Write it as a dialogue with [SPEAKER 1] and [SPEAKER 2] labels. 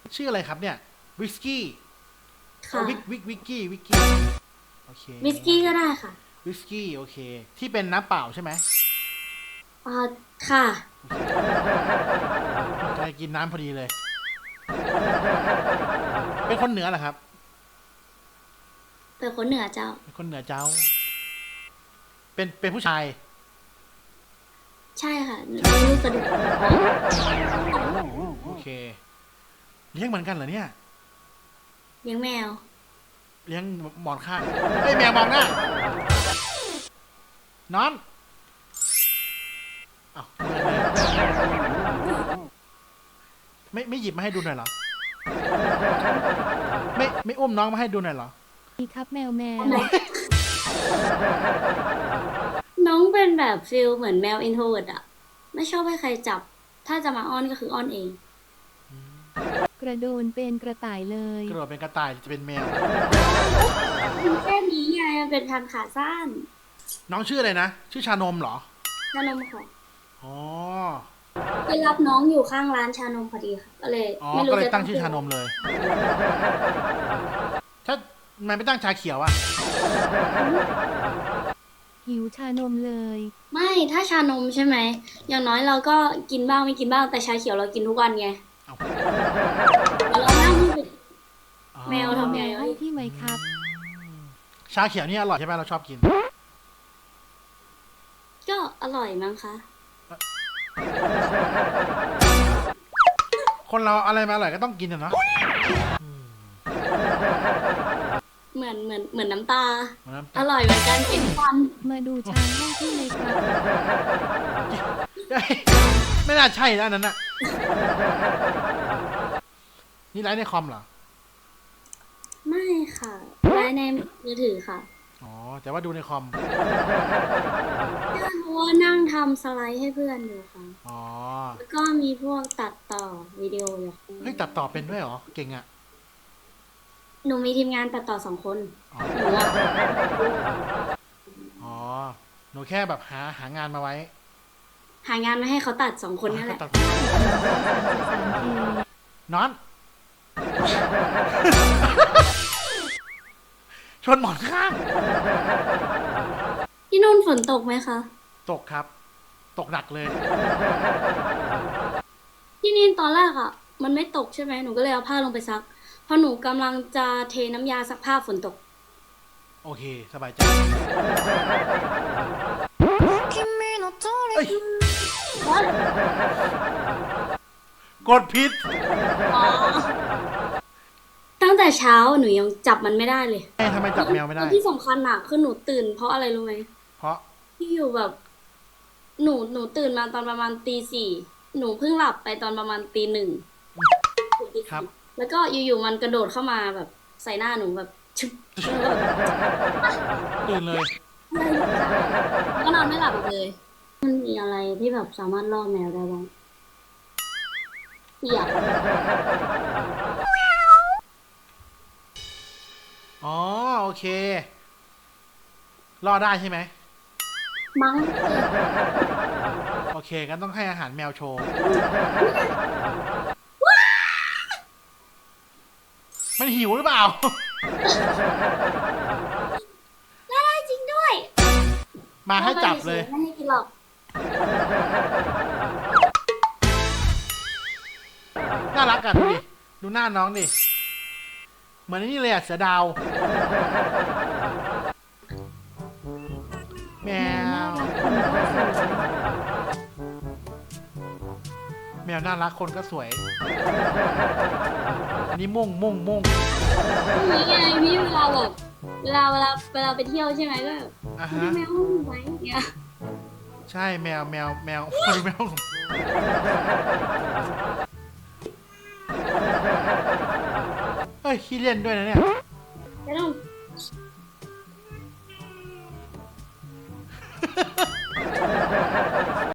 [SPEAKER 1] ชื่ออะไรครับเนี่ยวิสกี้
[SPEAKER 2] ค่ะ
[SPEAKER 1] วิกกี้โอเค
[SPEAKER 2] วิสกี้ก็ได้ค่ะ
[SPEAKER 1] วิสกี้โอเคที่เป็นน้ำเปล่าใช่ไหม
[SPEAKER 2] อ่าค่ะ
[SPEAKER 1] กำลังกินน้ำพอดีเลยเป็นคนเหนือเหรอครับ
[SPEAKER 2] เป็นคนเหนือเจ้า
[SPEAKER 1] เป็นคนเหนือเจ้าเป็นผู้ชาย
[SPEAKER 2] ใช่ค่ะมีลูกกระดูก
[SPEAKER 1] โอเคเลี้ยงเหมือนกันเหรอเนี่ย
[SPEAKER 2] เลี้ยงแมว
[SPEAKER 1] เลี้ยงหมอนข้างเฮ้ยแมวมองหน้านอนอ้าวไม่หยิบมาให้ดูหน่อยเหรอไม่อุ้มน้องมาให้ดูหน่อยเหรอ
[SPEAKER 3] ดีครับแมว
[SPEAKER 2] น้องเป็นแบบฟิลเหมือนแมวอินโทรเวิร์ตอะไม่ชอบให้ใครจับถ้าจะมาอ้อนก็คืออ้อนเอง
[SPEAKER 3] กระโดนเป็นกระต่ายเลย
[SPEAKER 1] กระโดดเป็นกระต่ายจะเป็นแมว
[SPEAKER 2] แค่นี้ไงมันเป็นพันธุ์ขาสั้น
[SPEAKER 1] น้องชื่ออะไรนะชื่อชานมเหรอ
[SPEAKER 2] ชานมค่ะ
[SPEAKER 1] อ๋อ
[SPEAKER 2] ไปรับน้องอยู่ข้างร้านชานมพอดีค่ะก็เลย
[SPEAKER 1] อ๋อ
[SPEAKER 2] ไม่รู้
[SPEAKER 1] ก็เลย
[SPEAKER 2] จะ
[SPEAKER 1] ตั้งชื่อชานมเลยถ้ามันไม่ตั้งชาเขียวอะ
[SPEAKER 3] หิวชานมเลย
[SPEAKER 2] ไม่ถ้าชานมใช่ไหมอย่างน้อยเราก็กินบ้างไม่กินบ้างแต่ชาเขียวเรากินทุกวันไง
[SPEAKER 1] เอา
[SPEAKER 2] แล้วเรานั่งดู
[SPEAKER 1] อ๋อ
[SPEAKER 2] แมวทำไง
[SPEAKER 3] ให้ที่ไหมครับ
[SPEAKER 1] ชาเขียวนี่อร่อยใช่ไหมเราชอบกิน
[SPEAKER 2] ก็อร่อยมั้งคะ
[SPEAKER 1] คนเราอะไรมาอร่อยก็ต้องกินอะเนาะ
[SPEAKER 2] เหมือนน้ำตา
[SPEAKER 1] เหมือนน้ำ
[SPEAKER 2] อ
[SPEAKER 1] ตาล
[SPEAKER 2] ร่อยเหมือนกันกินฟัน
[SPEAKER 3] มาดูช้างให้ที่ไหมครับ
[SPEAKER 1] ไม่น่าใช่นะอันนั้นอะนี่ไลฟ์ในคอมเหรอ
[SPEAKER 2] ไม่ค่ะไว้ในมือถือค่ะ
[SPEAKER 1] อ๋อแต่ว่าดูในคอม
[SPEAKER 2] เพราะว่านั่งทำสไลด์ให้เพื่อนอยู่ค่ะ
[SPEAKER 1] อ๋อ
[SPEAKER 2] แล้วก็มีพวกตัดต่อวิดีโออยู่
[SPEAKER 1] เฮ้ยตัดต่อเป็นด้วยเหรอเก่งอะ
[SPEAKER 2] หนูมีทีมงานตัดต่อ2 คน
[SPEAKER 1] อ๋อ
[SPEAKER 2] หนูอะ
[SPEAKER 1] อ๋อหนูแค่แบบหางานมาไว้
[SPEAKER 2] หางานมาให้เขาตัด2 คนนั่นแหละ
[SPEAKER 1] ตัด
[SPEAKER 3] 3K
[SPEAKER 1] นอน ชนหมอนข้าง
[SPEAKER 2] ที่นู่นฝนตกไหมคะ
[SPEAKER 1] ตกครับ ตกหนักเลย
[SPEAKER 2] ที่นี่ตอนแรกอ่ะมันไม่ตกใช่ไหมหนูก็เลยเอาผ้าลงไปซักพอหนูกำลังจะเทน้ำยาซักผ้าฝนตก
[SPEAKER 1] โอเคสบายใจเอ้ยกดผิด
[SPEAKER 2] อ๋อตั้งแต่เช้าหนูยังจับมันไม่ได้เลย
[SPEAKER 1] ทำไมจับแมวไม่ได้
[SPEAKER 2] ที่สำคัญอ่ะคือหนูตื่นเพราะอะไรรู้ไหม
[SPEAKER 1] เพราะ
[SPEAKER 2] ที่อยู่แบบ หนูตื่นมาตอนประมาณตี 4หนูเพิ่งหลับไปตอนประมาณตี 1
[SPEAKER 1] ครับ
[SPEAKER 2] แล้วก็อยู่ๆมันกระโดดเข้ามาแบบใส่หน้าหนูแบบชึบแล้วแบบ
[SPEAKER 1] ตื่นเลย
[SPEAKER 2] ก็นอนไม่หลับอีกเลย มันมีอะไรที่แบบสามารถล่อแมวได้บ้างเปียก
[SPEAKER 1] อ๋อโอเค รอดได้ใช่ไหม
[SPEAKER 2] มั้ง
[SPEAKER 1] โอเคงั้นต้องให้อาหารแมวโชว์ มันหิวหรือเปล่า
[SPEAKER 2] ได้จริงด้วย
[SPEAKER 1] มาให้จับเลย
[SPEAKER 2] ไม่ให้กินหรอก
[SPEAKER 1] น่ารักอ่ะดูดิ ดูหน้าน้องดิ เหมือนนี่เลยอ่ะเสือดาว แม
[SPEAKER 3] แมวน่ารักคนก็สวย
[SPEAKER 1] แมวน่ารักคนก็สวย อันนี้มุ่ง
[SPEAKER 2] นี่ไงพี่เวลาแบบเวลาไปเที่ยวใช่ไหมก็แบบ
[SPEAKER 1] อ่ะ
[SPEAKER 2] มี
[SPEAKER 1] ฮะ
[SPEAKER 2] แมวห้องไว้อย่างเงี้ย
[SPEAKER 1] ใช่แมว แมวเฮ้ยขี้เล่นด้วยนะเนี่ย